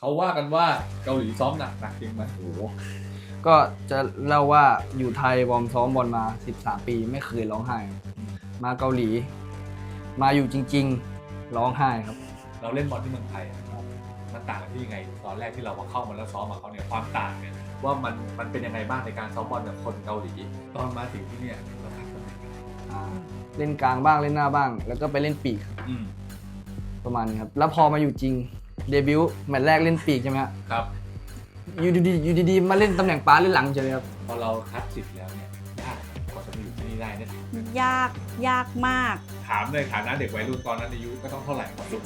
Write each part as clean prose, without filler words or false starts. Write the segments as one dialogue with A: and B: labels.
A: เขาว่ากันว่าเกาหลีซ้อมหนักจริงไหมโอ้โห
B: ก็จะเล่าว่าอยู่ไทยวอร์มซ้อมบอลมา13 ปีไม่เคยร้องไห้มาเกาหลีมาอยู่จริงๆร้องไห้ครับ
A: เราเล่นบอลที่เมืองไทยมันต่างกันที่ยังไงตอนแรกที่เราเข้ามาแล้วซ้อมกับเขาเนี่ยความต่างเนี่ยว่ามันเป็นยังไงบ้างในการซ้อมบอลกับคนเกาหลีตอนมาถึงที่เนี่ยเราพักตำแหน่ง
B: เล่นกลางบ้างเล่นหน้าบ้างแล้วก็ไปเล่นปีกประมาณนี้ครับแล้วพอมาอยู่จริงเดบิวต์แมตช์แรกเล่นปีกใช่ไหม
A: ครับ
B: อยู่ดีมาเล่นตำแหน่งป้าเล่นหลังเฉยครับ
A: พอเราคัดสิทธิ์แล้วเนี่ยยากกว่าจะมาอยู่ที่นี่ได้เนี่ย
C: ยากมาก
A: ถามในฐานะเด็กวัยรุ่นตอนนั้นอายุก็ต้องเท่าไหร่ก่อนลูก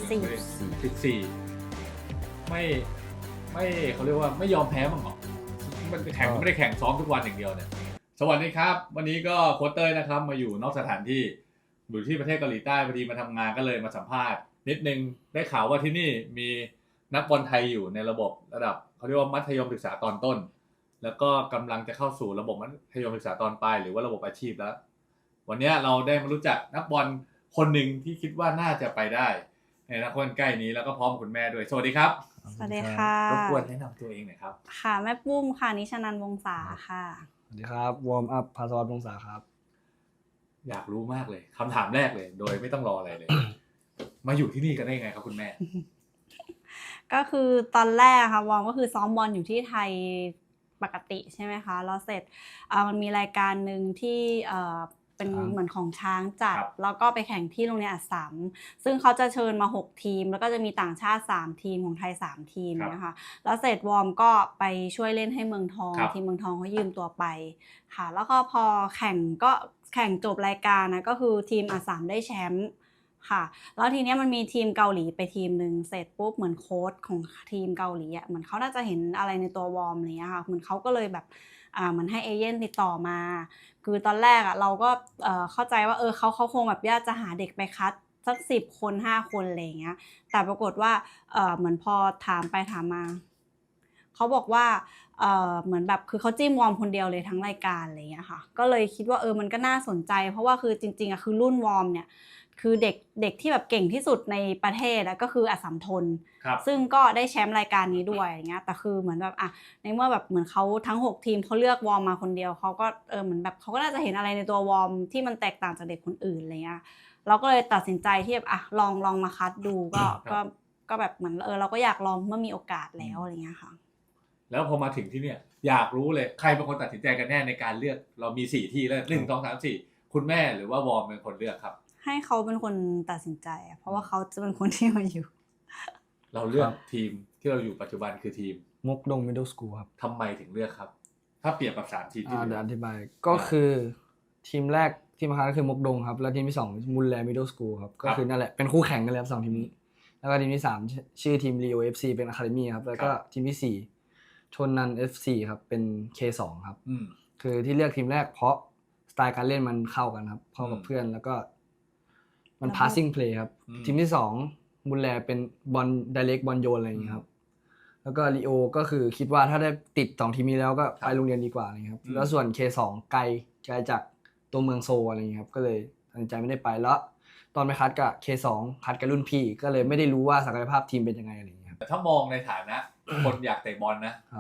A: 14ไม่เขาเรียกว่าไม่ยอมแพ้มั้งหรอมันแข่งไม่ได้แข่งซ้อมทุกวันอย่างเดียวเนี่ยสวัสดีครับวันนี้ก็โค้ชเต้ยนะครับมาอยู่นอกสถานที่อยู่ที่ประเทศเกาหลีใต้พอดีมาทำงานก็เลยมาสัมภาษณ์นิดนึงได้ข่าวว่าที่นี่มีนักบอลไทยอยู่ในระบบระดับเขาเรียกว่ามัธยมศึกษาตอนต้นแล้วก็กำลังจะเข้าสู่ระบบมัธยมศึกษาตอนปลายหรือว่าระบบอาชีพแล้ววันนี้เราได้มารู้จักนักบอลคนหนึ่งที่คิดว่าน่าจะไปได้ในอนาคตใกล้นี้แล้วก็พร้อมคุณแม่ด้วยสวัสดีครับ
C: สวัสดีค่ะ
A: รบกวนแนะนำตัวเองหน่อยครับ
C: ค่ะแม่ปุ้มค่ะนิชนันท์วงศาค่ะ
B: สวัสดีครับวอร์มอัพภาสวัสดิ์วงศาครับ
A: อยากรู้มากเลยคำถามแรกเลยโดยไม่ต้องรออะไรเลย มาอยู่ที่นี่กันได้ยังไงครับคุณแม่
C: ก็คือตอนแรกค่ะวอร์มก็คือซ้อมบอลอยู่ที่ไทยปกติใช่ไหมคะแล้วเสร็จมันมีรายการหนึ่งที่เป็นเหมือนของช้างจัดแล้วก็ไปแข่งที่โรงเรียนอัสสัมซึ่งเขาจะเชิญมา6ทีมแล้วก็จะมีต่างชาติ3ทีมของไทย3ทีมนะคะแล้วเสร็จวอร์มก็ไปช่วยเล่นให้เมืองทองทีมเมืองทองเขายืมตัวไปค่ะแล้วก็พอแข่งจบรายการนะก็คือทีมอัสสัมได้แชมป์ค่ะแล้วทีนี้มันมีทีมเกาหลีไปทีมนึงเสร็จปุ๊บเหมือนโค้ชของทีมเกาหลีอ่ะเหมือนเขาน่าจะเห็นอะไรในตัววอร์มอะไรเงี้ยค่ะเหมือนเขาก็เลยแบบเหมือนให้เอเย่นติดต่อมาคือตอนแรกอ่ะเราก็เข้าใจว่าเขาคงแบบอยากจะหาเด็กไปคัดสัก10 คน5 คนอะไรเงี้ยแต่ปรากฏว่าเหมือนพอถามไปถามมาเขาบอกว่าเหมือนแบบคือเขาจิ้มวอร์มคนเดียวเลยทั้งรายการอะไรเงี้ยค่ะก็เลยคิดว่ามันก็น่าสนใจเพราะว่าคือจริงๆอ่ะคือรุ่นวอร์มเนี่ยคือเด็กที่แบบเก่งที่สุดในประเทศก็คืออัสสัมทนซึ่งก็ได้แชมป์รายการนี้ด้วยอย่างเงี้ยแต่คือเหมือนแบบในเมื่อแบบเหมือนเขาทั้ง6ทีมเขาเลือกวอร์มมาคนเดียวเขาก็เหมือนแบบเขาก็น่าจะเห็นอะไรในตัววอร์มที่มันแตกต่างจากเด็กคนอื่นอะไรเงี้ยเราก็เลยตัดสินใจที่แบบลองมาคัดดูก็แบบเหมือนเราก็อยากลองเมื่อมีโอกาสแล้วอะไรเงี้ยค่ะ
A: แล้วพอมาถึงที่เนี่ยอยากรู้เลยใครเป็นคนตัดสินใจกันแน่ในการเลือกเรามี4ที่แล้ว1 2 3 4คุณแม่หรือว่าวอร์มเป็นคนเลือกครับ
C: ให้เขาเป็นคนตัดสินใจเพราะว่าเขาจะเป็นคนที่มาอยู่
A: เราเลือกทีมที่เราอยู่ปัจจุบันคือทีม
B: มกดง Middle School ครับ
A: ทำไมถึงเลือกครับถ้าเปรียบกับ3ทีมที่
B: เดี๋ยวอธิบายก็คือทีมแรกที่มาคัดก็คือมกดงครับแล้วทีมที่2มุนแล Middle School ครับก็คือนั่นแหละเป็นคู่แข่งกันแล้ว2ทีมนี้แล้วก็ทีมที่3ชื่อทีม Rio FC เป็น Academy ครับแล้วก็ทีมที่4ชนนัน FC ครับเป็น K2 ครับคือที่เลือกทีมแรกเพราะสไตล์การเล่นมันเข้ากันครับเข้ากับเพื่อนแล้วก็มัน passing play ครับทีมที่2มุนแลเป็นบอล direct บอลโยนอะไรอย่างเงี้ยครับแล้วก็ลีโอก็คือคิดว่าถ้าได้ติด2ทีมนี้แล้วก็ไปโรงเรียนดีกว่าอะไรเงี้ยครับแล้วส่วน K2 ไกลจากตัวเมืองโซอะไรเงี้ยครับก็เลยตัดสินใจไม่ได้ไปแล้วตอนไปคัดกับ K2 คัดกับรุ่นพี่ก็เลยไม่ได้รู้ว่าศักยภาพทีมเป็นยังไงอะไรเงี้ยครับ
A: แต่ถ้ามองในฐานะคนอยากเตะบอลนะครับ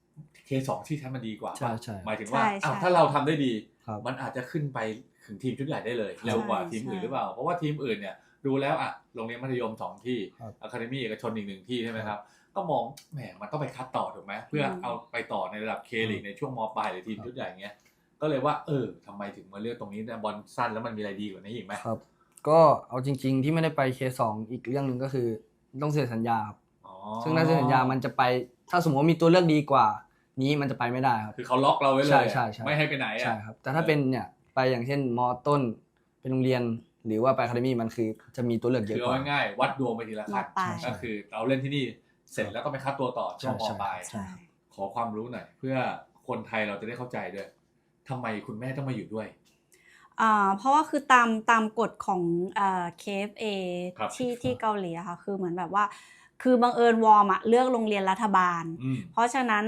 A: K2 ที่ใช้มันดีกว่าหมายถึงว่าถ้าเราทำได้ดีมันอาจจะขึ้นไปถึงทีมชุดใหญ่ได้เลยเร็วกว่าทีมอื่นหรือเปล่าเพราะว่าทีมอื่นเนี่ยดูแล้วโรงเรียนมัธยม2ที่อะคาเดมี่เอกชนอีก1ที่ใช่ไหมครับก็มองแหมมันต้องไปคัดต่อถูกไหมเพื่อเอาไปต่อในระดับ K ลีกในช่วงม.ปลายหรือทีมชุดใหญ่เงี้ยก็เลยว่าทำไมถึงมาเลือกตรงนี้บอลสั้นแล้วมันมีอะไรดีกว่านี้อีกไหม
B: ครับก็เอาจริงๆที่ไม่ได้ไป K2 อีกเรื่องนึงก็คือต้องเซ็นสัญญาครับซึ่งถ้าเซ็นสัญญามันจะไปถ้าสมมติว่ามีตัวเลือกดีกว่านี้มันจะไปไม่ได้ครับ
A: คือเขาล็อกเราไว้เลยไม่ให้ไปไหน
B: ใช่ครับแต่ถ้าเป็นเนี่ยไปอย่างเช่นม.ต้นเป็นโรงเรียนหรือว่าไปอะคาเดมี่มันคือจะมีตัวเลือกเยอะกว่า
A: คือง่ายๆวัดดวงไปทีละขั้นก็คือเราเล่นที่นี่เสร็จแล้วก็ไปคัดตัวต่อช่วงม.ปลายขอความรู้หน่อยเพื่อคนไทยเราจะได้เข้าใจด้วยทำไมคุณแม่ต้องมาอยู่ด้วย
C: เพราะว่าคือตามกฎของKFA ที่เกาหลีอะค่ะคือเหมือนแบบว่าคือบังเอิญวอร์มเลือกโรงเรียนรัฐบาลเพราะฉะนั้น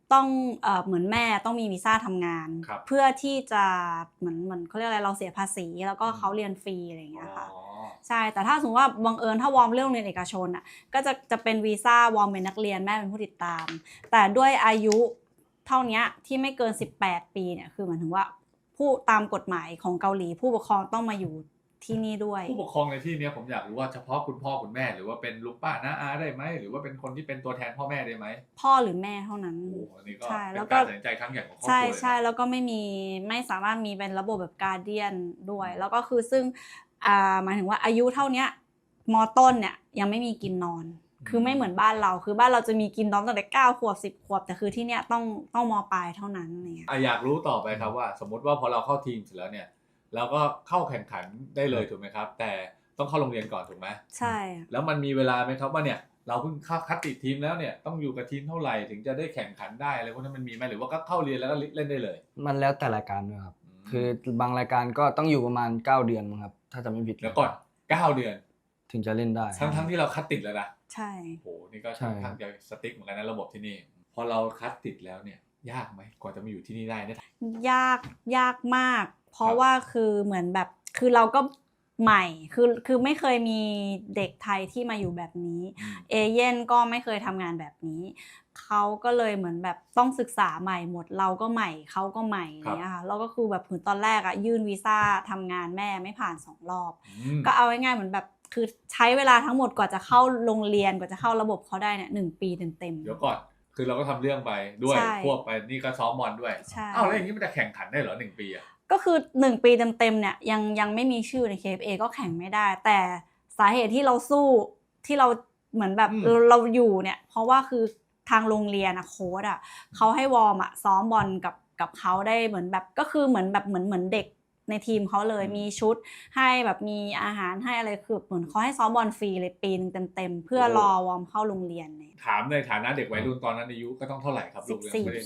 C: ต้องเหมือนแม่ต้องมีวีซ่าทำงาน
A: ครับ
C: เพื่อที่จะเหมือนเขาเรียกอะไรเราเสียภาษีแล้วก็เขาเรียนฟรีอะไรอย่างเงี้ยค่ะ
A: อ๋อ
C: ใช่แต่ถ้าสมมติว่าบังเอิญถ้าวอร์มเรื่องเรียนเอกชนอ่ะก็จะเป็นวีซ่าวอร์มเป็นนักเรียนแม่เป็นผู้ติดตาม แต่ด้วยอายุเท่านี้ที่ไม่เกิน18 ปีเนี่ยคือหมายถึงว่าผู้ตามกฎหมายของเกาหลีผู้ปกครองต้องมาอยู่ที่นี่ด้วย
A: ผู้ปกครองในที่เนี้ยผมอยากรู้ว่าเฉพาะคุณพ่อคุณแม่หรือว่าเป็นลุงป้าน้าอาได้ไหมหรือว่าเป็นคนที่เป็นตัวแทนพ่อแม่ได้ไหม
C: พ่อหรือแม่เท่านั้น
A: โอ้โหอันนี้ก็
C: ใช่
A: เป็
C: แล้ว
A: น
C: ก็
A: การตัดสินใจครั้งใหญ่ของครอบครัว
C: ใช่
A: เลย
C: ใช่
A: นะ
C: แล้วก็ไม่สามารถมีเป็นระบบแบบการเดียนด้วย แล้วก็คือซึ่งหมายถึงว่าอายุเท่าเนี้ยมต้นเนี่ยยังไม่มีกินนอน คือไม่เหมือนบ้านเราคือบ้านเราจะมีกินนอนตั้งแต่9 ขวบ10 ขวบแต่คือที่เนี้ยต้องมปลายเท่านั้นเนี่ย
A: อยากรู้ต่อไปครับว่าสมมติว่าพอเราเข้าทีมเสร็จแล้วเนี่ยเราก็เข้าแข่งขันได้เลยถูกไหมครับ แต่ต้องเข้าโรงเรียนก่อนถูกไหม
C: ใช่
A: แล้วมันมีเวลาไหมครับว่าเนี่ยเราเพิ่งเข้าคัดติดทีมแล้วเนี่ยต้องอยู่กับทีมเท่าไหร่ถึงจะได้แข่งขันได้อะไรพวกนั้นมันมีไหมหรือว่าก็เข้าเรียนแล้วก็เล่นได้เลย
B: มันแล้วแต่รายการด้วยครับคือบางรายการก็ต้องอยู่ประมาณ9 เดือนมั้งครับถ้าจะไม่ผิด
A: แล้วก่อน9 เดือน
B: ถึงจะเล่นได้
A: ทั้งที่เราคัดติดแล้วนะ
C: ใช่
A: โอ้โหนี่ก็
B: ใช่
A: ค่อนข้างจะสติ๊กเหมือนกันนะระบบที่นี่พอเราคัดติดแล้วเนี่ยยากไหมกว่าจะมาอยู่ที่นี่ได้เนี่ย
C: ยากมาก เพราะ
A: ครับ
C: ว่าคือเหมือนแบบคือเราก็ใหม่คือไม่เคยมีเด็กไทยที่มาอยู่แบบนี้ เอเย่นก็ไม่เคยทำงานแบบนี้เขาก็เลยเหมือนแบบต้องศึกษาใหม่หมดเราก็ใหม่เขาก็ใหม่อะไรเงี้ยค่ะแล้วก็คือแบบถึงตอนแรกอะยื่นวีซ่าทำงานแม่ไม่ผ่าน2 รอบ ก็เอาง่ายๆเหมือนแบบคือใช้เวลาทั้งหมดกว่าจะเข้าโรงเรียนกว่าจะเข้าระบบเขาได้เนี่ย1 ปีเต็ม
A: เดี๋ยวก่อนคือเราก็ทำเรื่องไปด้วย
C: ใช่
A: ควบไปนี่ก็ซ้อมบอลด้วย
C: ใช่
A: อ้าวแล้วอย่างนี้มันจะแข่งขันได้เหรอ1 ปีอะ
C: ก็คือ1 ปีเต็มๆเนี่ยยังไม่มีชื่อใน KFA ก็แข่งไม่ได้ แต่สาเหตุที่เราสู้ที่เราเหมือนแบบเราอยู่เนี่ยเพราะว่าคือทางโรงเรียนอะโค้ชอะเขาให้วอร์มอะซ้อมบอลกับเขาได้เหมือนแบบก็คือเหมือนแบบเหมือนเด็กในทีมเขาเลยมีชุดให้แบบมีอาหารให้อะไรคือเหมือนเขาให้ซ้อมบอลฟรีเลยปีนึงเต็มๆเพื่อรอวอร์มเข้าโรงเรียนเนี่ย
A: ถามในฐานะเด็กวัยรุ่นตอนนั้นอายุก็ต้องเท่าไหร่ครับลูกยังไม่ได้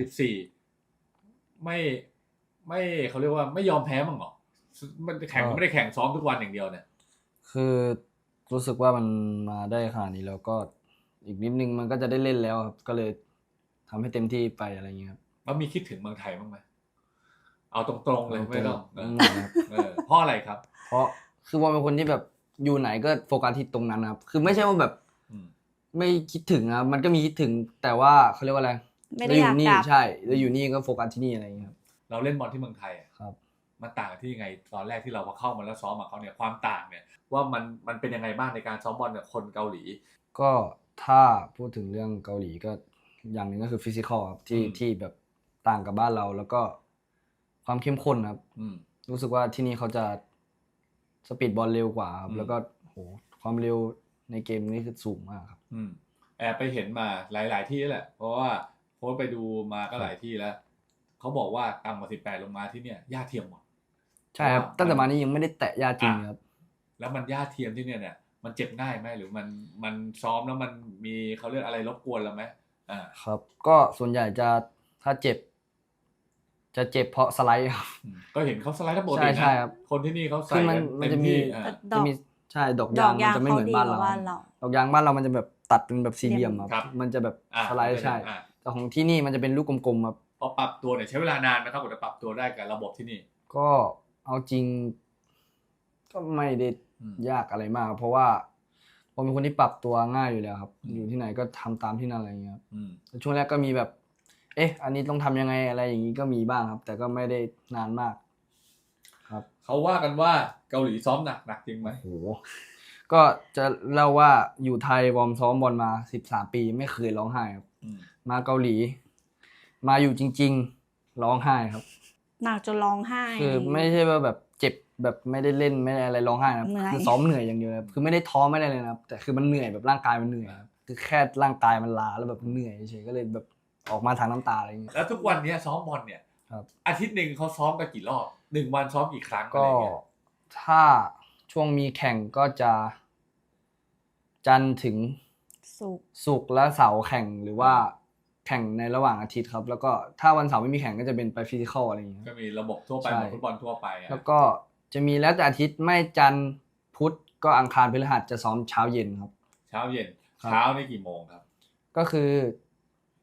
A: 14ไม่เขาเรียกว่าไม่ยอมแพ้มั้งเหรอมันแข่งก็ไม่ได้แข่งซ้อมทุกวันอย่างเดียวเนี่ย
B: คือรู้สึกว่ามันมาได้ขนาดนี้แล้วก็อีกนิดนึงมันก็จะได้เล่นแล้วครับก็เลยทำให้เต็มที่ไปอะไรอย่างเงี้ยครับ
A: มันมีคิดถึงเมืองไทยบ้างไหมเอาตรงๆเลยไม่ต้อง
B: ครับ
A: เพราะอะไรครับ
B: เพราะคือว่าเป็นคนที่แบบอยู่ไหนก็โฟกัสที่ตรงนั้นนะครับคือไม่ใช่ว่าแบบ
A: อืม
B: ไม่คิดถึงครับมันก็มีคิดถึงแต่ว่าเขาเรียกว่าอะไร
C: ไม่ได้อยาก
B: นี่
C: กลับ
B: ใช่เราอยู่นี่ก็โฟกัสที่นี่อะไรอย่างเงี้ยครับ
A: เราเล่นบอลที่เมืองไทยอะ
B: ครับ
A: มันต่างที่ยังไงตอนแรกที่เราพอเข้ามาแล้วซ้อมกับเขาเนี่ยความต่างเนี่ยว่ามันเป็นยังไงบ้างในการซ้อมบอลกับคนเกาหลี
B: ก็ถ้าพูดถึงเรื่องเกาหลีก็อย่างหนึ่งก็คือฟิสิกอลครับที่แบบต่างกับบ้านเราแล้วก็ความเข้มข้นครับ รู้สึกว่าที่นี่เขาจะสปีดบอลเร็วกว่าครับแล้วก็โหความเร็วในเกมนี้คือสูงมากครับ
A: แอบไปเห็นมาหลายๆที่แหละเพราะว่าโค้ชไปดูมาก็หลายที่แล้วเขาบอกว่าต่ำกว่า18ลงมาที่เนี่ยหญ้าเทียมหมด
B: ใช่ครับตั้งแต่มานี้ยังไม่ได้แตะยาจริงครับ
A: แล้วมันหญ้าเทียมที่เนี่ยมันเจ็บง่ายไหมหรือมันซ้อมแล้วมันมีเขาเรียกอะไรรบกวนเราไหม
B: ครับ ก็ส่วนใหญ่จะถ้าเจ็บ จะเจ็บเพราะสไลด์ครับ
A: ก็เห็นเขาสไลด์ทั้งปกติ
B: ใช่
A: นะ
B: ครับ
A: คนที่นี่เขา
B: คื
A: ใส่
B: อมัน
A: กัน
B: จะมี
A: เต็ที่
B: จะมีใช่ดอกยางมันจะไม่เหมือนบ้านเรา ดอกยางบ้านเรามันจะแบบตัดเป็นแบบสี่เหลี่ยมครับมันจะแบบสไลด์ใช่แต่ของที่นี่มันจะเป็นลูกกลมๆครับ
A: พอปรับตัวเนี่ยใช้เวลานานไหมครับกว่าจะปรับตัวได้กับระบบที่นี่
B: ก็เอาจริง ก็ไม่ได้ยากอะไรมาก เพราะว่าผมเป็นคนที่ปรับตัวง่ายอยู่แล้วครับ อยู่ที่ไหนก็ทำตามที่นั่นอะไรอย่างเงี้ยครับช่วงแรกก็มีแบบ อันนี้ต้องทำยังไงอะไรอย่างนี้ก็มีบ้างครับ แต่ก็ไม่ได้นานมาก ครับ
A: เขาว่ากันว่าเกาหลีซ้อมหนักจริงไหม
B: โหก็จะเล่าว่าอยู่ไทยวอร์มซ้อมบอลมา13 ปีไม่เคยร้องไห้ครับมาเกาหลี มาอยู่จริงๆร้องไห้ครับ
C: หนักจนร้องไห้
B: คือไม่ใช่ว่าแบบเจ็บแบบไม่ได้เล่นไม่ได้อะไรร้องไห้นะครับคือซ้อมเหนื่อยอย่างเดียวนะครับคือไม่ได้ท้อไม่ได้เลยนะครับแต่คือมันเหนื่อยแบบร่างกายมันเหนื่อยครับคือแค่ร่างกายมันล้าแล้วแบบเหนื่อยเฉยก็เลยแบบออกมาทางน้ำตาอะไรอย่างเงี้ย
A: แล้วทุกวันนี้ซ้อมบอลเนี่ย
B: ครับ
A: อาทิตย์หนึ่งเขาซ้อมกันกี่รอบ1 วันซ้อมกี่ครั้งอะไร
B: ก็
A: เงี้ย
B: ถ้าช่วงมีแข่งก็จะจันทร์ถึงศุกร์และเสาร์แข่งหรือว่าแข่งในระหว่างอาทิตย์ครับแล้วก็ถ้าวันเสาร์ไม่มีแข่งก็จะเป็นไปฟิสิคอลอะไรอย่างเงี้ย
A: ก็มีระบบทั่วไปเหมือนฟุตบอลทั่วไปอะ
B: แล้วก็จะมีแล้วแต่อาทิตย์ไม่จันทร์พุธก็อังคารพฤหัสจะซ้อมเช้าเย็นครับ
A: เช้าเย็น
B: ครับ
A: เช้านี่กี่โมงครับ
B: ก็คือ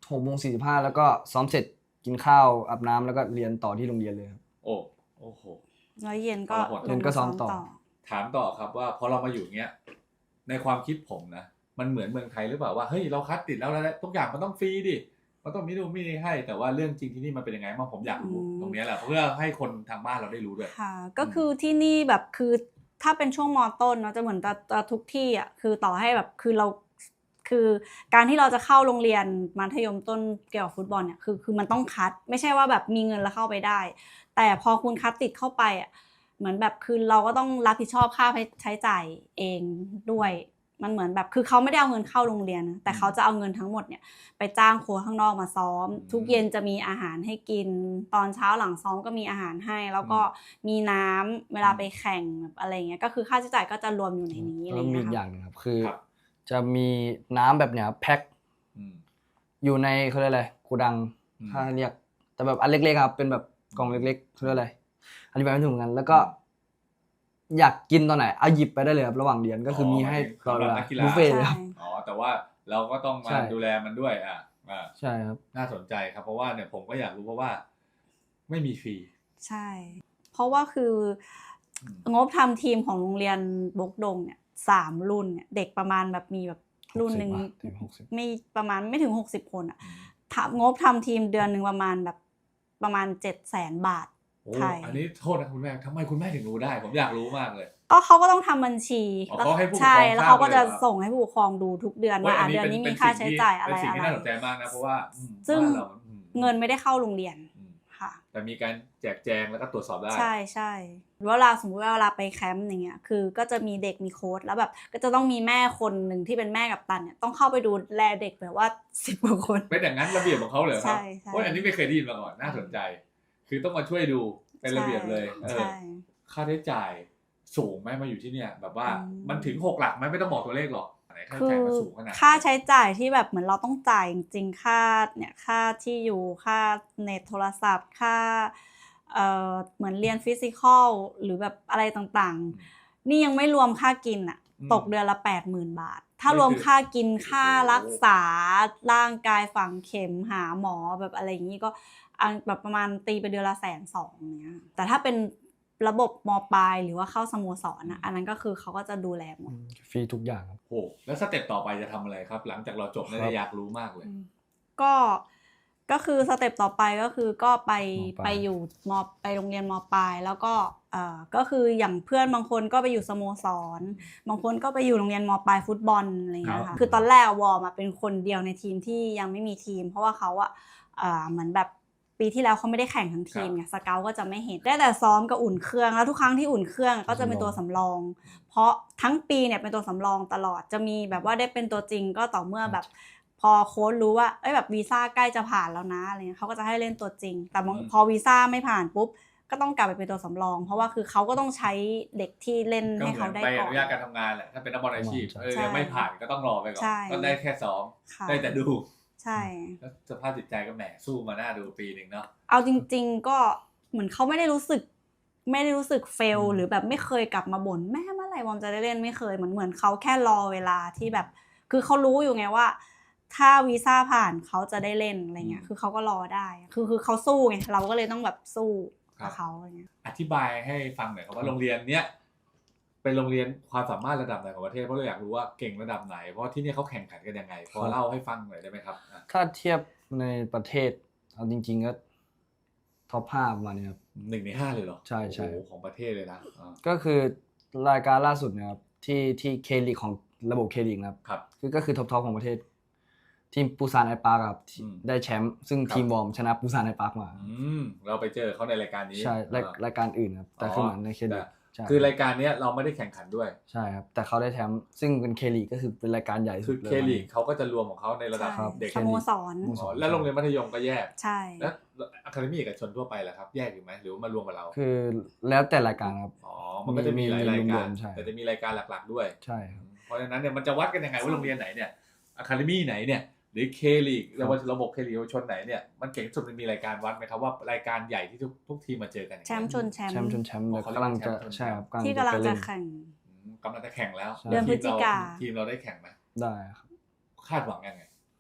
B: 6:45แล้วก็ซ้อมเสร็จกินข้าวอาบน้ำแล้วก็เรียนต่อที่โรงเรียนเลยครับ
A: โอ้โห
C: แล้วเย็นก็
B: เย็นก็ซ้อมต่อ
A: ถามต่อครับว่าพอเรามาอยู่เงี้ยในความคิดผมนะมันเหมือนเมืองไทยหรือเปล่าว่าเฮ้ยเราคัดติดแล้วทุกอย่างมันต้องฟรีดิมันต้องมีนู่นมีนี่ให้แต่ว่าเรื่องจริงที่นี่มันเป็นยังไงบ้างผมอยากรู้ตรงนี้แหละเพื่อให้คนทางบ้านเราได้รู้ด้วย
C: ค่ะก็คือที่นี่แบบคือถ้าเป็นช่วงม.ต้นเนาะจะเหมือนจะทุกที่อ่ะคือต่อให้แบบคือการที่เราจะเข้าโรงเรียนมัธยมต้นเกี่ยวกับฟุตบอลเนี่ยคือมันต้องคัดไม่ใช่ว่าแบบมีเงินแล้วเข้าไปได้แต่พอคุณคัดติดเข้าไปอ่ะเหมือนแบบคือเราก็ต้องรับผิดชอบค่าใช้จ่ายเองด้วยมันเหมือนแบบคือเขาไม่ได้เอาเงินเข้าโรงเรียนนะแต่เขาจะเอาเงินทั้งหมดเนี่ยไปจ้างโค้ชข้างนอกมาซ้อมทุกเย็นจะมีอาหารให้กินตอนเช้าหลังซ้อมก็มีอาหารให้แล้วก็มีน้ำเวลาไปแข่งแบบอะไรเงี้ยก็คือค่าใช้จ่ายก็จะรวมอยู่ในนี้อะไร
B: แล้วมี
C: เงี้ย
B: อีกอ
C: ค่ะ
B: ย่างนึงครับคือจะมีน้ำแบบเนี้ยแพ็คอยู่ในเขาเรียกอะไรโกดังถ้าเรียกแต่แบบอันเล็กๆครับเป็นแบบกล่องเล็กๆเขาเรียกอะไรอธิบายไม่ถูกเหมือนกันแล้วก็อยากกินตอนไหนเอาหยิบไปได้เลยครับระหว่างเรียนก็คือมีให้ตลอดเวลาบุฟเฟ่ต์เลยครับ
A: อ๋อแต่ว่าเราก็ต้องมาดูแลมันด้วย
B: ใช่ครับ
A: น่าสนใจครับเพราะว่าเนี่ยผมก็อยากรู้เพราะว่าไม่มีฟรี
C: ใช่เพราะว่าคืองบทำทีมของโรงเรียนบกดงเนี่ย3 รุ่นเนี่ยเด็กประมาณแบบมีแบบรุ่นหนึ่งไม่ประมาณไม่ถึง60 คนอ่ะงบทำทีมเดือนหนึ่งประมาณ700,000 บาท
A: ไทยอันนี้โทษนะคุณแม่ทำไมคุณแม่ถึงรู้ได้ผมอยากรู้มากเลย
C: ก็เขาก็ต้องทำบัญชี
A: ใช่
C: แล้วเขาก็จะส่งให้ผู้ปกครองดูทุกเดือนว่าเดือนนี้มีค่าใช้จ่ายอะไร
A: เป็นสิ่งที่น่าสนใจมากนะเพราะว่า
C: ซึ่งเงินไม่ได้เข้าโรงเรียนค่ะ
A: แต่มีการแจกแจงแล้วก็ตรวจสอบได้
C: ใช่เวลาสมมติว่าเวลาไปแคมป์อย่างเงี้ยคือก็จะมีเด็กมีโค้ชแล้วแบบก็จะต้องมีแม่คนหนึ่งที่เป็นแม่กัปตันเนี่ยต้องเข้าไปดูแลเด็กแบบว่า10 กว่าคน
A: เป็นอย่างนั้นระเบียบของเขาเลยครับเพราะอันนี้ไม่เคยได้ยินมาก่อนน่าสนใจคือต้องมาช่วยดูเป็นระเบียบเลยค่าใช้จ่ายสูงไหมมาอยู่ที่เนี่ยแบบว่ามันถึง6 หลักไหมไม่ต้องบอกตัวเลขหรอก
C: คือค่าใช้จ่ายที่แบบเหมือนเราต้องจ่ายจริงๆค่าเนี่ยค่าที่อยู่ค่าเน็ตโทรศัพท์ค่าเหมือนเรียนฟิสิกอลหรือแบบอะไรต่างๆนี่ยังไม่รวมค่ากินอ่ะตกเดือนละ 80,000 บาทถ้ารวมค่ากินค่ารักษาร่างกายฝังเข็มหาหมอแบบอะไรอย่างนี้ก็แบบประมาณตีไปเดือนละ120,000เนี้ยแต่ถ้าเป็นระบบม.ปลายหรือว่าเข้าสโมสรอันนั้นก็คือเขาก็จะดูแลหมด
B: ฟรีทุกอย่างครับ
A: โอ้แล้วสเต็ปต่อไปจะทำอะไรครับหลังจากเราจบเนี่ยอยากรู้มากเลย
C: ก็คือสเต็ปต่อไปก็คือก็ไปอยู่ไปโรงเรียนม.ปลายแล้วก็คืออย่างเพื่อนบางคนก็ไปอยู่สโมสรบางคนก็ไปอยู่โรงเรียนม.ปลายฟุตบอลอะไรอย่างเงี้ยค่ะคือตอนแรกวอร์มเป็นคนเดียวในทีมที่ยังไม่มีทีมเพราะว่าเขาเหมือนแบบปีที่แล้วเขาไม่ได้แข่งทั้งทีมไงสเกาต์ก็จะไม่เห็นได้แต่ซ้อมกับอุ่นเครื่องแล้วทุกครั้งที่อุ่นเครื่องก็จะเป็นตัวสำรองเพราะทั้งปีเนี่ยเป็นตัวสำรองตลอดจะมีแบบว่าได้เป็นตัวจริงก็ต่อเมื่อแบบพอโค้ชรู้ว่าแบบวีซ่าใกล้จะผ่านแล้วนะอะไรเงี้ยเขาก็จะให้เล่นตัวจริงแต่พอวีซ่าไม่ผ่านปุ๊บก็ต้องกลับไปเป็นตัวสำรองเพราะว่าคือเขาก็ต้องใช้เด็กที่เล่นให้เขาได้ก่อน
A: ก็เหมือนใบอนุญาตการทำงานแหละถ้าเป็นนักบอลอาชีพไม่ผ่านก็ต้องรอไปก่อนก็ได้แค่ซ้อมได้แต่ดู
C: ใช่
A: แล้วสภาพจิตใจก็แหมสู้มาหน้าดูปีนึงเนาะ
C: เอาจริงๆก็เหมือนเขาไม่ได้รู้สึกเฟลหรือแบบไม่เคยกลับมาบ่นแม่เมื่อไหร่วอมจะได้เล่นไม่เคยเหมือนเขาแค่รอเวลาที่แบบคือเขารู้อยู่ไงว่าถ้าวีซ่าผ่านเขาจะได้เล่นอะไรเงี้ยคือเขาก็รอได้คือเขาสู้ไงเราก็เลยต้องแบบสู้กับเขาอะไรเงี้ย
A: อธิบายให้ฟังหน่อยครับว่าโรงเรียนเนี้ยเป็นโรงเรียนความสามารถระดับไหนของประเทศเพราะเราอยากรู้ว่าเก่งระดับไหนเพราะที่นี่เขาแข่งขันกันยังไงพอเล่าให้ฟังหน่อยได้ไหมครับ
B: ถ้าเทียบในประเทศเอาจริงๆก็ท็อป5ประมาณนี้ครับ
A: 1 ใน 5เลยเหรอ
B: ใช่
A: โอ้โหของประเทศเลยนะ
B: ก็คือรายการล่าสุดนะครับที่เคลีกของระบบเคลีกครับก็คือท็อปของประเทศทีมปูซานไอปาร์คครับได้แชมป์ซึ่งทีมวอร์มชนะปูซานไอปาร์คมา
A: เราไปเจอเขาในรายการนี้
B: ใช่รายการอื่นครับแต่คือเหมือนในเคลีก
A: คือรายการนี้เราไม่ได้แข่งขันด้วย
B: ใช่ครับแต่เขาได้แชมป์ซึ่งเป็นเคลีกก็คือเป็นรายการใหญ่สุด
A: เลยเคลีกเขาก็จะรวมของเขาในระดับเด็ก
C: สโมสร
A: และโรงเรียนมัธยมก็แยก
C: ใช่
A: แล้วอะคาเดมี่เอกชนทั่วไปล่ะครับแยกอยู่ไหมหรือว่ามารวมกับเรา
B: คือแล้วแต่รายการครับ
A: มันก็จะมีหลายรายการแต่จะมีรายการหลักๆด้วย
B: ใช่
A: เพราะฉะนั้นเนี่ยมันจะวัดกันยังไงว่าโรงเรียนไหนเนี่ยอะคาเดมี่ไหนเนี่ยหรือเคลีกระบบเคลีกเยาวชนไหนเนี่ยมันเก่งสุดมันมีรายการวัดไหมครับว่ารายการใหญ่ที่ทุกทีมมาเจอกัน
C: แชมป์ชนแชมป์
B: กำลังจะใช่ครับ
C: ที่กำลังจะแข่ง
A: กำลังจะแข่งแล้ว
C: เดือนพฤศจิกา
A: ทีมเราได้แข่งไหม
B: ได้ครับ
A: คาดหวังยังไง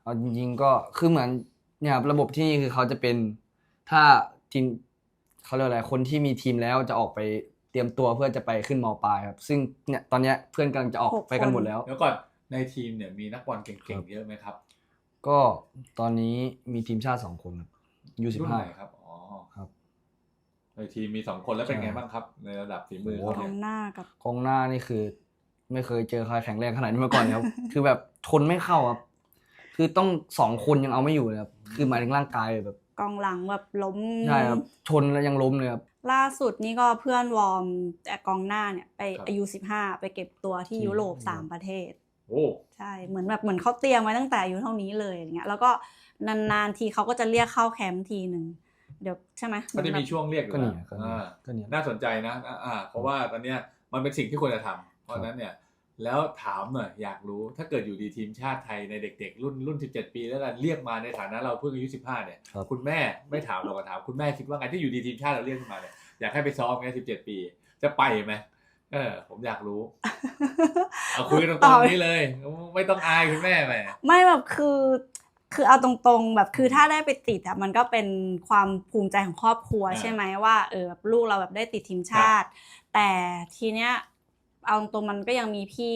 B: เอาจริงๆก็คือเหมือนเนี่ยครับระบบที่นี่คือเขาจะเป็นถ้าทีมเขาเรียกอะไรคนที่มีทีมแล้วจะออกไปเตรียมตัวเพื่อจะไปขึ้นม.ปลายครับซึ่งเนี่ยตอนเนี้ยเพื่อนกำลังจะออกไปกันหมดแล้ว
A: แล้วก่อนในทีมเนี่ยมีนักบอลเก่งๆเยอะไหมครับ
B: ก็ตอนนี้มีทีมชาติ2 คนครับ
A: รุ่นไหนครับอ๋อ
B: ครับ
A: ในทีมมี2 คนแล้วเป็นไงบ้างครับในระดับฝีมือเขา
C: กอ
A: เนี่ย
C: งหน้ากับ
B: กองหน้านี่คือ ไม่เคยเจอใครแข็งแรงขนาดนี้มาก่อนครับ คือแบบทนไม่เข้าครับคือต้อง2 คนยังเอาไม่อยู่เลยครับคือหมายถึงร่างกายแบบ
C: กองหลังแบบล้ม
B: ใช่ครับชนแล้วยังล้มเลยครับ
C: ล่าสุดนี่ก็เพื่อนวอร์มแต่กองหน้าเนี่ยไปอายุ15ไปเก็บตัวที่ยุโรป3 ประเทศ
A: โอ้
C: ใช่เหมือนเขาเตรียมไว้ตั้งแต่อายุเท่านี้เลยอย่างเงี้ยแล้วก็นานๆทีเขาก็จะเรียกเข้าแคมป์ทีนึงเดี๋ยวใช่ไหม
A: ก็จะมีช่วงเรียกอยู่นะน่าสนใจนะเพราะว่าตอนเนี้ยมันเป็นสิ่งที่ควรจะทำเพราะฉะนั้นเนี่ยแล้วถามหน่อยอยากรู้ถ้าเกิดอยู่ดีทีมชาติไทยในเด็กๆรุ่น17 ปีแล้วกันเรียกมาในฐานะเราเพิ่งอายุ15เนี่ยคุณแม่ไม่ถามเราก็ถามคุณแม่คิดว่าไงที่อยู่ดีทีมชาติเราเรียกมาเนี่ยอยากให้ไปซ้อมไง17 ปีจะไปไหมผมอยากรู้เอาคุยตรงๆนี้เลยไม่ต้องอายคุณแม่ไหม
C: ไม่แบบคือเอาตรงๆแบบคือถ้าได้ไปติดอ่ะมันก็เป็นความภูมิใจของครอบครัวใช่ไหมว่าแบบลูกเราแบบได้ติดทีมชาติแต่ทีเนี้ยเอาตรงมันก็ยังมีพี่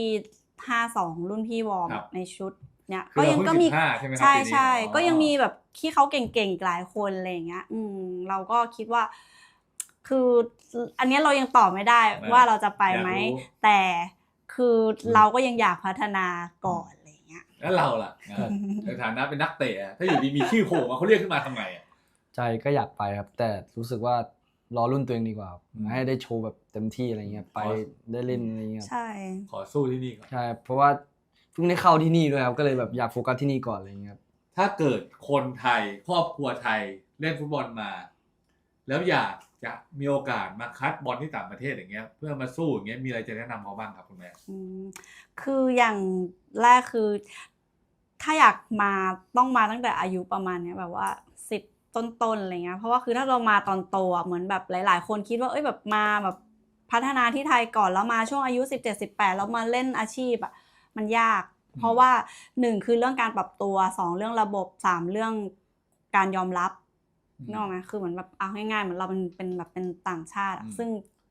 C: 52รุ่นพี่วอร์มในชุดเนี่ย
A: ก็มี
C: ใช่ก็ยังมีแบบที่เขาเก่งๆหลายคนอะไรอย่างเงี้ยเราก็คิดว่าคืออันนี้เรายังตอบไม่ได้ว่าเราจะไปไหมแต่คือเราก็ยังอยากพัฒนาก่อนอะไรอย่างเงี้ย
A: แล้วเราล่ะในฐานะเป็นนักเตะถ้าอยู่ดีมีชื่อโผล่มาเขาเรียกขึ้นมาทำไง
B: ใจก็อยากไปครับแต่รู้สึกว่ารอรุ่นตัวเองดีกว่าให้ได้โชว์แบบเต็มที่อะไรเงี้ยไปได้เล่นอะไรเงี้ย
C: ใช่
A: ขอสู้ที่นี่ก่อน
B: ใช่เพราะว่าเพิ่งได้เข้าที่นี่ด้วยครับก็เลยแบบอยากโฟกัสที่นี่ก่อนอะไรเงี้ย
A: ถ้าเกิดคนไทยครอบครัวไทยเล่นฟุตบอลมาแล้วอยากจะมีโอกาสมาคัดบอลที่ต่างประเทศอย่างเงี้ยเพื่อมาสู้อย่างเงี้ยมีอะไรจะแนะนำเขาบ้างครับคุณแม่
C: คืออย่างแรกคือถ้าอยากมาต้องมาตั้งแต่อายุประมาณเนี้ยแบบว่า10ต้นๆอะไรเงี้ยเพราะว่าคือถ้าเรามาตอนโตอ่ะเหมือนแบบหลายๆคนคิดว่าแบบมาแบบพัฒนาที่ไทยก่อนแล้วมาช่วงอายุ17-18แล้วมาเล่นอาชีพอ่ะมันยากเพราะว่า1คือเรื่องการปรับตัว2เรื่องระบบ3เรื่องการยอมรับนึกออกไหมคือเหมือนแบบเอาง่ายๆเหมือนเราเป็นแบบเป็นต่างชาติซึ่ง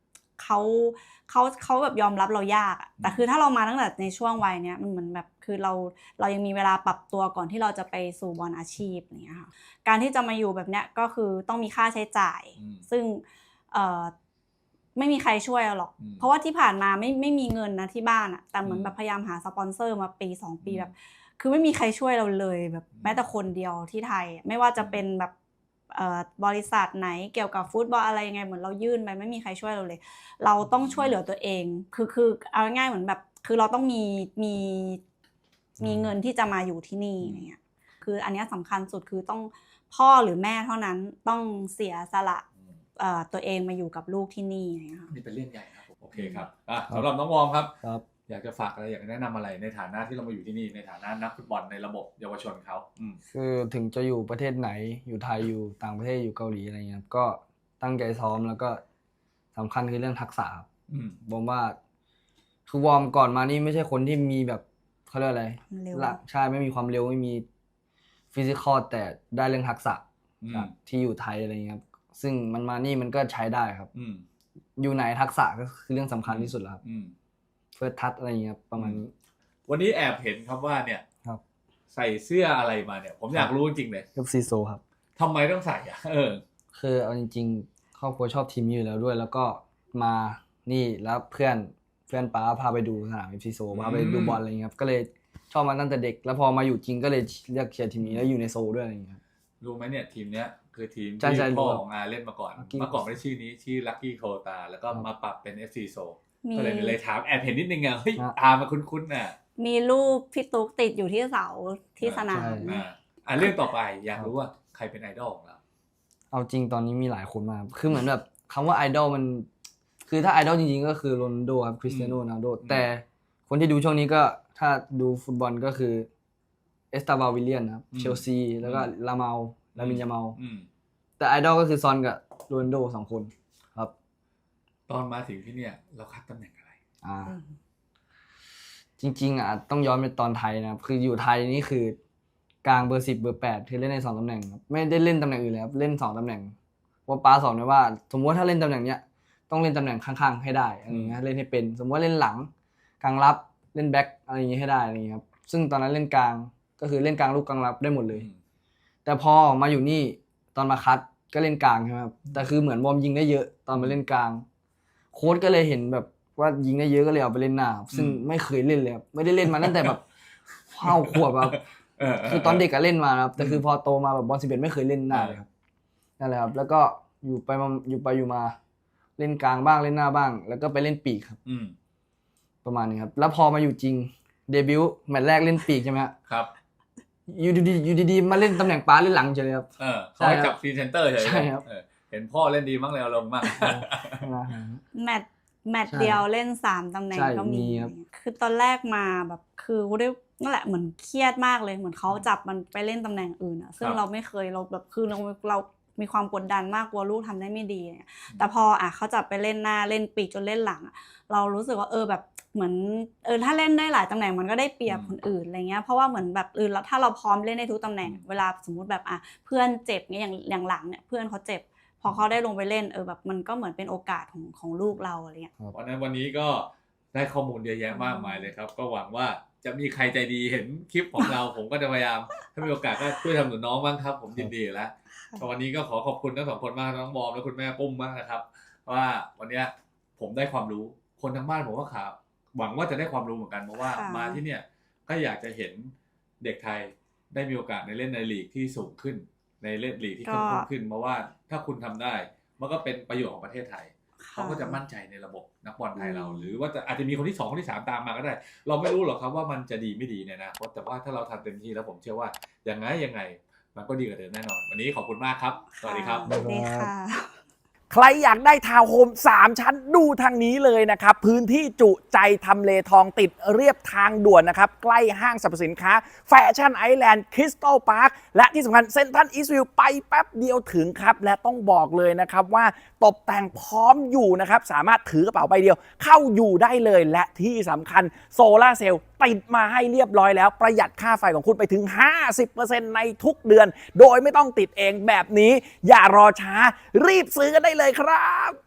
C: เขาแบบยอมรับเรายากแต่คือถ้าเรามาตั้งแต่ในช่วงวัยเนี้ยมันเหมือนแบบคือเรายังมีเวลาปรับตัวก่อนที่เราจะไปสู่บอลอาชีพอย่างเงี้ยค่ะการที่จะมาอยู่แบบเนี้ยก็คือต้องมีค่าใช้จ่ายซึ่งไม่มีใครช่วยเราหรอกเพราะว่าที่ผ่านมาไม่มีเงินนะที่บ้านแต่เหมือนแบบพยายามหาสปอนเซอร์มาปี2ปีแบบคือไม่มีใครช่วยเราเลยแบบแม้แต่คนเดียวที่ไทยไม่ว่าจะเป็นแบบบริษัทไหนเกี่ยวกับฟุตบอลอะไรยังไงเหมือนเรายื่นไปไม่มีใครช่วยเราเลยเราต้องช่วยเหลือตัวเองคือเอาง่ายๆเหมือนแบบคือเราต้องมีเงินที่จะมาอยู่ที่นี่อะไรเงี้ยคืออันนี้สำคัญสุดคือต้องพ่อหรือแม่เท่านั้นต้องเสียสละตัวเองมาอยู่กับลูกที่นี่นะคะ
A: นี่เป็นเรื่องใหญ่ครับโอเคครับสำหรับน้องวอร์มครับอยากจะฝากอะไรอยากแนะนำอะไรในฐานะที่เรามาอยู่ที่นี่ในฐานะนักฟุตบอลในระบบเยาวชนเขา
B: คือถึงจะอยู่ประเทศไหนอยู่ไทยอยู่ต่างประเทศอยู่เกาหลีอะไรเงี้ยก็ตั้งใจซ้อมแล้วก็สำคัญคือเรื่องทักษะครับผมว่าคือวอร์มก่อนมานี่ไม่ใช่คนที่มีแบบเขาเรียกอะไรใช่ไม่มีความเร็วไม่มีฟิสิกอลแต่ได้เรื่องทักษะที่อยู่ไทยอะไรเงี้ยครับซึ่งมันมานี่มันก็ใช้ได้ครับอยู่ไหนทักษะก็คือเรื่องสำคัญที่สุดแล้วครับเฟิร์สทัชอะไรอย่างเงี้ยประมาณนี้
A: วันนี้แอบเห็นครับว่าเนี่ยใส่เสื้ออะไรมาเนี่ยผมอยากรู้จริงๆเลย
B: FC โซครับ
A: ทำไมต้องใส่
B: คือเอาจริงๆครอบครัวชอบทีมอยู่แล้วด้วยแล้วก็มานี่แล้วเพื่อนป้าพาไปดูสนาม FC โซพาไปดูบอลอะไรเงี้ยครับก็เลยชอบมาตั้งแต่เด็กแล้วพอมาอยู่จริงก็เลยเลือกเชียร์ทีมนี้แล้วอยู่ในโซด้วยอะไรเงี้ย
A: รู้ไหมเนี่ยทีมเนี้ยคือทีมที่พ่อของอาเล่นมาก่อนเมื่อก่อนไม่ได้ชื่อนี้ชื่อ Lucky Kota แล้วก็มาปรับเป็น FC โซก็เลยถามแอบเห็นนิดนึงเฮ้ยมาคุ้นๆน่ะ
C: มีรูปพี่ตุ๊กติดอยู่ที่เสาที่สนาม
A: เรื่องต่อไปอยากรู้ว่าใครเป็นไอดอลของเรา
B: เอาจริงตอนนี้มีหลายคนมากคือเหมือนแบบคำว่าไอดอลมันคือถ้าไอดอลจริงๆก็คือโรนัลโดครับคริสเตียโนโรนัลโดแต่คนที่ดูช่วงนี้ก็ถ้าดูฟุตบอลก็คือเอสตาบาวิลเลียนครับเชลซีแล้วก็ลามินยาเมาแต่ไอดอลก็คือซอนกับโรนัลโด2คนครับ
A: ตอนมาถึงที่เนี่ยเราคัดตำแหน่งอะไร
B: จริงๆต้องย้อนไปตอนไทยนะครับคืออยู่ไทยนี่คือกลางเบอร์10เบอร์8คือเล่นใน2ตำแหน่งครับไม่ได้เล่นตำแหน่งอื่นเลยครับเล่น2ตำแหน่งเพราะป้าสอนไว้ว่าสมมติว่าถ้าเล่นตำแหน่งเนี้ยต้องเล่นตำแหน่งข้างๆให้ได้อะไรอย่างเงี้ยเล่นให้เป็นสมมติว่าเล่นหลังกลางรับเล่นแบ็คอะไรอย่างเงี้ยให้ได้อะไรอย่างเงี้ยครับซึ่งตอนนั้นเล่นกลางก็คือเล่นกลางลูกกลางรับได้หมดเลยแต่พอมาอยู่นี่ตอนมาคัดก็เล่นกลางใช่ไหมครับแต่คือเหมือนวอร์มยิงได้เยอะตอนมาเล่นกลางโค้ชก็เลยเห็นแบบว่ายิงได้เยอะก็เลยเอาไปเล่นหน้าซึ่งไม่เคยเล่นเลยครับไม่ได้เล่นมาตั้งแต่แบบ5 ขวบครับคือตอนเด็กก็เล่นมาครับแต่คือพอโตมาแบบบอล11ไม่เคยเล่นหน้าเลยครับนั่นแหละครับแล้วก็อยู่มาเล่นกลางบ้างเล่นหน้าบ้าง แล้วก็ไปเล่นปีกครับประมาณนี้ครับแล้วพอมาอยู่จริงเดบิวต์แมตช์แรกเล่นปีกใช่ไหมครับอยู่ดีมาเล่นตำแหน่งป้าเล่นหลังเฉยเลยครับ
A: เขาให้จับฟรีเซนเตอร์เฉย
B: ใช่ครับ
A: เห็นพ่อเล่นดีมั้งเลยเอาลงมาก
C: แมตช์เดียวเล่น3ตำแหน่งก็มีคือตอนแรกมาแบบคือนั่นแหละเหมือนเครียดมากเลยเหมือนเขาจับมันไปเล่นตำแหน่งอื่นอ่ะซึ่งเราไม่เคยเราแบบคือเรามีความกดดันมากกลัวลูกทำได้ไม่ดีเนี่ยแต่พอเขาจับไปเล่นหน้าเล่นปีกจนเล่นหลังเรารู้สึกว่าแบบเหมือนถ้าเล่นได้หลายตำแหน่งมันก็ได้เปรียบคนอื่นอะไรเงี้ยเพราะว่าเหมือนแบบถ้าเราพร้อมเล่นได้ทุกตำแหน่งเวลาสมมุติแบบเพื่อนเจ็บเงี้ยอย่างหลังเนี่ยเพื่อนเขาเจ็บพอเขาได้ลงไปเล่นแบบมันก็เหมือนเป็นโอกาสของลูกเราอะไรเงี้ย
A: วันนี้ก็ได้ข้อมูลเยอะแยะมากมายเลยครับก็หวังว่าจะมีใครใจดีเห็นคลิปของเรา ผมก็จะพยายามถ้ามีโอกาสก็ช่วยทำหนุนน้องบ้างครับผมยินดีแล้ววันนี้ก็ขอบคุณทั้ง2 คนมากน้องบอมและคุณแม่ปุ้มมากนะครับว่าวันนี้ผมได้ความรู้คนทั้งบ้านผมก็ข่าวหวังว่าจะได้ความรู้เหมือนกันเพราะว่ามาที่เนี่ยก็อยากจะเห็นเด็กไทยได้มีโอกาสในเล่นในลีกที่สูงขึ้นในเล่นลีกที่เข้มข้นขึ้นเพราะว่าถ้าคุณทำได้มันก็เป็นประโยชน์ของประเทศไทยเขาก็จะมั่นใจในระบบนักบอลไทยเราหรือว่าอาจจะมีคนที่2คนที่3ตามมาก็ได้เราไม่รู้หรอกครับว่ามันจะดีไม่ดีเนี่ยนะแต่ว่าถ้าเราทำเต็มที่แล้วผมเชื่อว่ายังไงมันก็ดีกว่าเดิมแน่นอนวันนี้ขอบคุณมากครับสวัสดีครับ
C: สวัสดีค่ะ
D: ใครอยากได้ทาวน์โฮม3 ชั้นดูทางนี้เลยนะครับพื้นที่จุใจทำเลทองติดเรียบทางด่วนนะครับใกล้ห้างสรรพสินค้าแฟชั่นไอแลนด์คริสตัลพาร์คและที่สำคัญเซ็นทรัลอีสต์วิวไปแป๊บเดียวถึงครับและต้องบอกเลยนะครับว่าตกแต่งพร้อมอยู่นะครับสามารถถือกระเป๋าใบเดียวเข้าอยู่ได้เลยและที่สำคัญโซล่าเซลล์ติดมาให้เรียบร้อยแล้วประหยัดค่าไฟของคุณไปถึง 50% ในทุกเดือนโดยไม่ต้องติดเองแบบนี้อย่ารอช้ารีบซื้อกันได้เลยครับ